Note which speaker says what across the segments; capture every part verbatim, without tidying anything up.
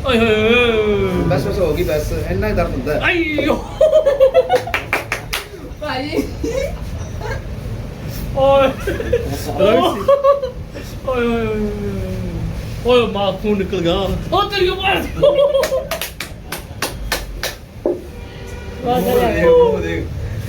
Speaker 1: ਓਏ ਹੋਏ
Speaker 2: ਬਸ ਬਸ ਹੋ ਗਈ ਬਸ ਇੰਨਾ ਹੀ ਦਰਦ ਹੁੰਦਾ
Speaker 1: ਆਈਓ
Speaker 3: ਭਾਈ
Speaker 1: ਓਏ ਓਏ ਓਏ ਓਏ ਮਾਂ ਖੂਨ ਨਿਕਲ ਗਿਆ ਉਹ ਤੇਰੀ ਮਾਰ
Speaker 2: ਉਹ ਦੇਖ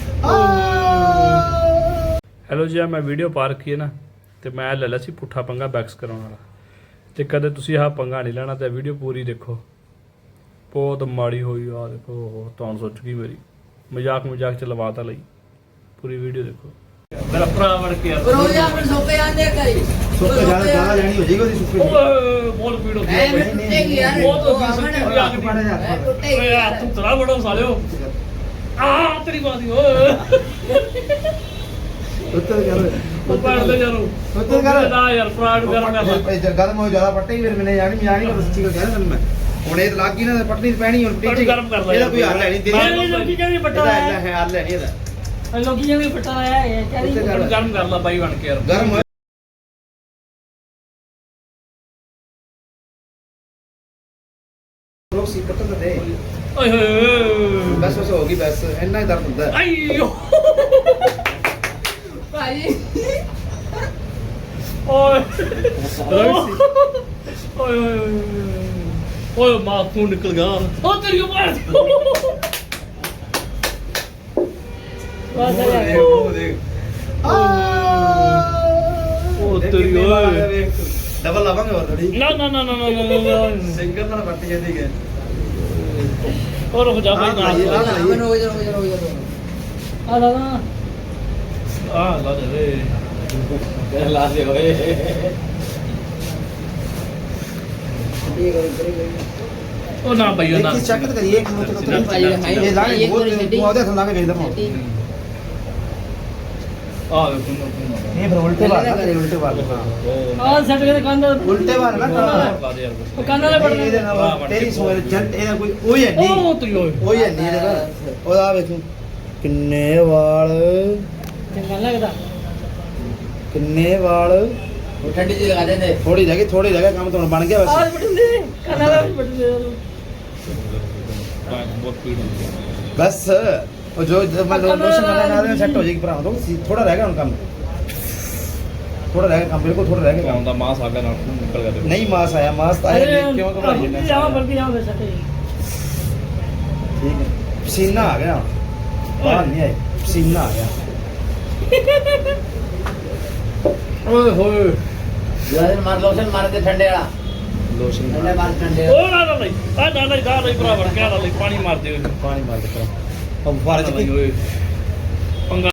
Speaker 1: ਹੈਲੋ ਜੀ ਆ ਮੈਂ ਵੀਡੀਓ ਪਾ ਰੱਖੀ ਹੈ ਨਾ ਤੇ ਮੈਂ ਲੈ ਲਿਆ ਸੀ ਪੁੱਠਾ ਪੰਗਾ ਬੈਕਸ ਕਰਾਉਣ ਵਾਲਾ ਤੇ ਕਦੇ ਤੁਸੀਂ ਆਹ ਪੰਗਾ ਨਹੀਂ ਲੈਣਾ ਤੇ ਵੀਡੀਓ ਪੂਰੀ ਦੇਖੋ ਬਹੁਤ ਮਾੜੀ ਹੋਈ ਆ ਦੇਖੋ ਉਹ ਤੁਹਾਨੂੰ ਸੋਚ ਗਈ ਮੇਰੀ ਮਜ਼ਾਕ ਮਜ਼ਾਕ ਚ ਲਵਾਤਾ ਲਈ ਪੂਰੀ ਵੀਡੀਓ ਦੇਖੋ ਮੇਰਾ ਭਰਾ ਵੜ ਕੇ
Speaker 3: ਰੋਜ਼ ਆਪਣੇ ਸੋਪੇ ਆਂਦੇ ਕਰੀ
Speaker 2: ਸੁੱਕੇ ਜ਼ਿਆਦਾ ਜ਼ਿਆਦਾ ਲੈਣੀ ਹੋ ਜਾਏਗੀ ਉਹਦੀ ਸੁੱਕੇ
Speaker 1: ਓਏ ਬੋਲ ਪੀੜ ਹੋ
Speaker 3: ਐ
Speaker 1: ਗਈ
Speaker 3: ਟੁੱਟੇਗੀ ਯਾਰ
Speaker 1: ਬਹੁਤ
Speaker 3: ਉਹ
Speaker 1: ਹੋ ਗਈ
Speaker 3: ਆਵਣ
Speaker 1: ਸੁੱਕੀ
Speaker 2: ਪੜ ਜਾ
Speaker 3: ਟੁੱਟੇਗੀ
Speaker 1: ਓਏ
Speaker 3: ਯਾਰ
Speaker 1: ਤੂੰ ਤਰਾ ਬੜਾ ਸਾਲਿਓ ਆ ਤੇਰੀ ਬਾਦੀ ਓਏ
Speaker 2: ਉੱਤਰ ਕਰ
Speaker 1: ਉਹ ਪੜ ਲੈ ਯਾਰੋ
Speaker 2: ਉੱਤਰ ਕਰ
Speaker 1: ਨਾ ਯਾਰ ਫਰਾਡ ਕਰ ਮੈਂ
Speaker 2: ਇਹ ਗਰਮ ਹੋ ਜ਼ਿਆਦਾ ਪੱਟੇ ਫਿਰ ਮੈਨੇ ਜਾਣੀ ਮੈਂ ਨਹੀਂ ਕਰ ਸੱਚੀ ਗੱਲ ਕਹਿ ਤੈਨੂੰ ਮੈਂ ਹੁਣ ਇਹ ਲੱਗ ਗਈ ਨਾ ਪੱਟਣੀ ਪੈਣੀ ਹੁਣ
Speaker 1: ਪੱਟੀ ਗਰਮ ਕਰ ਲੈ
Speaker 2: ਇਹਦਾ ਕੋਈ ਹੱਲ ਹੈ ਨਹੀਂ
Speaker 1: ਮੈਂ ਲੋਕੀ ਕਹਿੰਦੇ ਪੱਟਾ
Speaker 2: ਇਹਦਾ
Speaker 1: ਹੈ
Speaker 2: ਹੈ ਹੱਲ ਹੈ ਨਹੀਂ ਇਹਦਾ
Speaker 3: ਲੋਕੀ ਜਿਵੇਂ ਪਟਾ ਆਇਆ ਹੈ ਕਹਿੰਦੀ
Speaker 1: ਗਰਮ ਕਰ ਲਾ ਬਾਈ ਬਣ ਕੇ ਯਾਰ
Speaker 2: ਗਰਮ ਹੋਇਆ ਲੋਕ ਸੀ ਪੱਟਣ ਤਾਂ ਦੇ
Speaker 1: ਓਏ ਹੋਏ
Speaker 2: ਬਸ ਬਸ ਹੋ ਗਈ ਬਸ ਇੰਨਾ ਹੀ ਦਰਦ ਹੁੰਦਾ
Speaker 1: ਆਈਓ
Speaker 3: ਭਾਈ
Speaker 1: ਓਏ ਓਏ ਓਏ ਓਏ ਮਾਂ ਖੂਨ ਨਿਕਲ ਗਿਆ ਉਹ ਤੇਰੀ ਮਾਰ
Speaker 2: ਉਹ ਦੇਖ
Speaker 1: ਉਹ ਤੇਰੀ ਓਏ
Speaker 2: ਡਬਲ ਲਾਵਾਂਗੇ ਹੋਰ ਥੋੜੀ
Speaker 1: ਨਾ ਨਾ ਨਾ ਨਾ ਨਾ ਨਾ
Speaker 2: ਸਿੰਗਲ ਨਾਲ ਵੱਟ ਜਾਂਦੀ ਹੈ
Speaker 1: ਉਹ ਰੁਕ ਜਾ ਬਾਈ ਨਾ
Speaker 3: ਅਮਨ ਹੋ ਜਾ ਹੋ ਜਾ ਹੋ ਜਾ ਆ ਲਾ ਨਾ
Speaker 1: ਆ ਲਾ ਦੇ
Speaker 2: ਕਹਿ ਲਾ ਦੇ ਓਏ ਇਹ ਕਰੀ ਕਰੀ
Speaker 1: ਉਹ ਨਾ ਬਾਈ ਨਾ
Speaker 2: ਦੇਖੀ ਚੈੱਕ ਕਰੀਏ ਇੱਕ ਮਿੰਟ ਇਹ ਲਾਣੇ ਬਹੁਤ ਤੂੰ ਉਹਦੇ ਹੱਥ ਲਾ ਕੇ ਵੇਖ ਦਮਾ
Speaker 1: ਆ ਵੇ ਖੂਨ
Speaker 2: ਇਹ ਫਿਰ ਉਲਟੇ ਵਾਰ ਨਾ ਕਰੇ ਉਲਟੇ ਵਾਰ
Speaker 3: ਆ ਸੱਟ ਕੇ ਕੰਨ
Speaker 2: ਉਲਟੇ ਵਾਰ ਨਾ
Speaker 1: ਲਾ ਦੇ ਯਾਰ
Speaker 3: ਉਹ ਕੰਨ ਵਾਲੇ ਪੜਨੇ
Speaker 2: ਇਹਦੇ ਨਾਲ ਤੇਰੀ ਸੋਚ ਜੰਟ ਇਹਦਾ ਕੋਈ ਉਹ ਹੀ ਹੈ ਨਹੀਂ
Speaker 1: ਉਹ ਤੇਰੀ ਓਏ
Speaker 2: ਉਹ ਹੀ ਹੈ ਨਹੀਂ ਇਹਦਾ ਉਹਦਾ ਵੇਖੋ ਕਿੰਨੇ ਵਾਲ
Speaker 3: ਚੰਗਾ ਲੱਗਦਾ
Speaker 2: ਕਿੰਨੇ ਵਾਲ
Speaker 3: ਉਹ ਠੰਡੀ ਜੀ ਲਗਾ ਦੇ ਦੇ
Speaker 2: ਥੋੜੀ ਰਹਿ ਗਈ ਥੋੜੀ ਰਹਿ ਗਿਆ ਕੰਮ ਤਾਂ ਹੁਣ ਬਣ ਗਿਆ
Speaker 3: ਆਹ
Speaker 2: ਬਸ
Speaker 3: ਪਟਨੇ ਕੰਨ ਵਾਲੇ ਪਟਨੇ
Speaker 1: ਬਹੁਤ ਪੀੜ ਹੁੰਦੀ ਹੈ
Speaker 2: ਬਸ ਉਹ ਜੋ ਮੈਂ ਲੋਸ਼ਨ ਕਰਨਾ ਨਾਲ ਸੈੱਟ ਹੋ ਜਾਏਗੀ ਭਰਾ ਤੋਂ ਥੋੜਾ ਰਹਿ ਗਿਆ ਹੁਣ ਕੰਮ ਥੋੜਾ ਰਹਿ ਗਿਆ ਕੰਮ ਬਿਲਕੁਲ ਥੋੜਾ ਰਹਿ ਗਿਆ ਕੰਮ
Speaker 1: ਆਉਂਦਾ ਮਾਸ ਆ ਗਿਆ ਨਾਲ ਖੂਨ ਨਿਕਲ ਗਿਆ ਦੇਖੋ
Speaker 2: ਨਹੀਂ ਮਾਸ ਆਇਆ ਮਾਸ ਤਾਂ ਆਇਆ ਨਹੀਂ ਕਿਉਂ ਘਬਰਾਈ ਜਾਂਦਾ
Speaker 3: ਜਾਵਾਂ ਬਲਕਿ ਜਾਵਾਂ ਫਿਰ ਸੱਟੇ
Speaker 2: ਠੀਕ ਹੈ ਪਸੀਨਾ ਆ ਗਿਆ ਬਾਹਰ ਨਹੀਂ ਆਇਆ ਪਸੀਨਾ ਆ ਗਿਆ
Speaker 1: ਓਏ ਹੋਏ
Speaker 3: ਯਾਰ ਮਾਰ ਲੋਸ਼ਨ ਮਾਰ ਦੇ ਠੰਡੇ ਵਾਲਾ
Speaker 2: ਲੋਸ਼ਨ
Speaker 3: ਠੰਡੇ ਮਾਰ ਠੰਡੇ
Speaker 1: ਉਹ ਨਾ ਨਾ ਨਹੀਂ ਆ ਨਾ ਨਹੀਂ ਦਾ ਨਹੀਂ ਭਰਾ ਵੜ ਕੇ ਆ ਨਹੀਂ ਪਾਣੀ ਮਾਰ ਦੇ
Speaker 2: ਪਾਣੀ ਮਾਰ ਦੇ ਭਰਾ ਉਹ ਫਾਰੇ ਚ
Speaker 1: ਓਏ